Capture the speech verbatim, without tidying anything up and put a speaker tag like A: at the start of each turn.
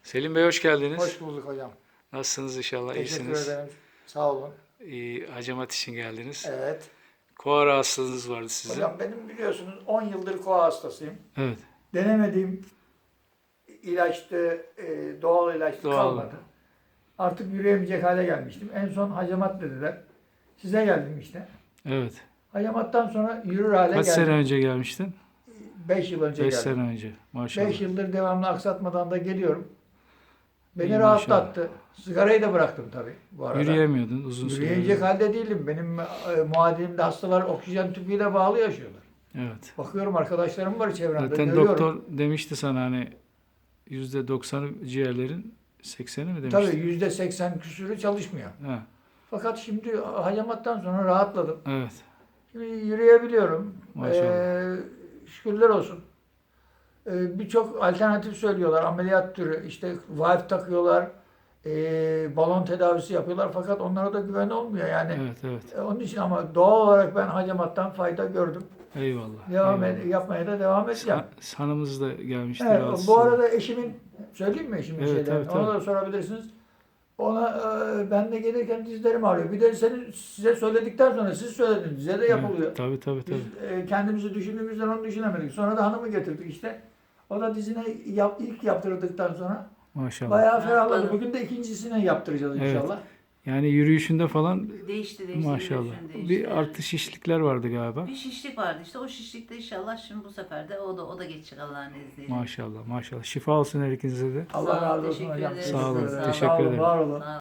A: Selim Bey hoş geldiniz.
B: Hoş bulduk hocam.
A: Nasılsınız inşallah
B: Teşekkür
A: iyisiniz.
B: ederim. Sağ olun.
A: İyi, hacamat için geldiniz.
B: Evet.
A: Koa rahatsızlığınız vardı sizin.
B: Hocam benim biliyorsunuz on yıldır koa hastasıyım.
A: Evet.
B: Denemediğim ilaçtı, e, doğal ilaçtı
A: Doğal.
B: kalmadı. Artık yürüyemeyecek hale gelmiştim. En son hacamat dediler. Size geldim işte.
A: Evet.
B: Hacamattan sonra yürür hale
A: Kaç
B: geldim.
A: sene önce gelmiştin?
B: beş yıl önce
A: beş
B: geldim.
A: sene önce. Maşallah.
B: beş yıldır devamlı aksatmadan da geliyorum. Beni
A: İyi,
B: rahatlattı. Sigarayı da bıraktım tabii bu arada.
A: Yürüyemiyordun uzun süre.
B: Yürüyecek halde değilim. Benim e, muadilimde hastalar oksijen tüpüyle bağlı yaşıyorlar.
A: Evet.
B: Bakıyorum arkadaşlarım var çevremde.
A: Zaten
B: görüyorum.
A: doktor demişti sana hani yüzde doksanı ciğerlerin sekseni mi demişti?
B: Tabii yüzde seksen küsürü çalışmıyor.
A: Ha,
B: Fakat şimdi hacamattan sonra rahatladım.
A: evet.
B: Şimdi yürüyebiliyorum.
A: Maşallah.
B: Ee, şükürler olsun. Ee, Birçok alternatif söylüyorlar. Ameliyat türü. İşte valve takıyorlar. ee, balon tedavisi yapıyorlar. Fakat onlara da güven olmuyor. Yani
A: Evet, evet.
B: e, onun için ama doğal olarak ben hacamattan fayda gördüm.
A: Eyvallah.
B: Devam
A: eyvallah.
B: ed- yapmaya da devam edeceğim.
A: Sa- Hanımız da gelmişti.
B: Evet,
A: rahatsız.
B: bu arada eşimin, söyleyeyim mi eşimin
A: Evet,
B: şeylerini?
A: tabii, tabii.
B: Ona da sorabilirsiniz. Ona e, ben de gelirken dizlerim ağrıyor. Bir de senin size söyledikten sonra siz söylediniz. Size de yapılıyor.
A: Evet, tabii tabii tabii.
B: Biz e, kendimizi düşündüğümüzden onu düşünemedik. Sonra da hanımı getirdik işte. O da dizine yap, ilk yaptırdıktan sonra
A: Maşallah.
B: bayağı ferahladı.
C: Rahatladım.
B: Bugün de ikincisine yaptıracağız
A: Evet.
B: inşallah.
A: Yani yürüyüşünde falan
C: Değişti değişti.
A: maşallah.
C: yürüyüşün değişti.
A: Bir artı şişlikler vardı galiba.
C: Bir şişlik vardı işte o şişlikte inşallah şimdi bu sefer de o da o da geçecek Allah'ın izniyle.
A: Maşallah maşallah. Şifa olsun her ikinize de.
B: Allah
C: Sağ ol,
B: razı olsun
C: teşekkür
B: hocam.
C: ederim.
A: Sağ olun,
B: ederim.
A: teşekkür
B: Sağ olun,
A: ederim.
B: var olun.
C: Sağ ol.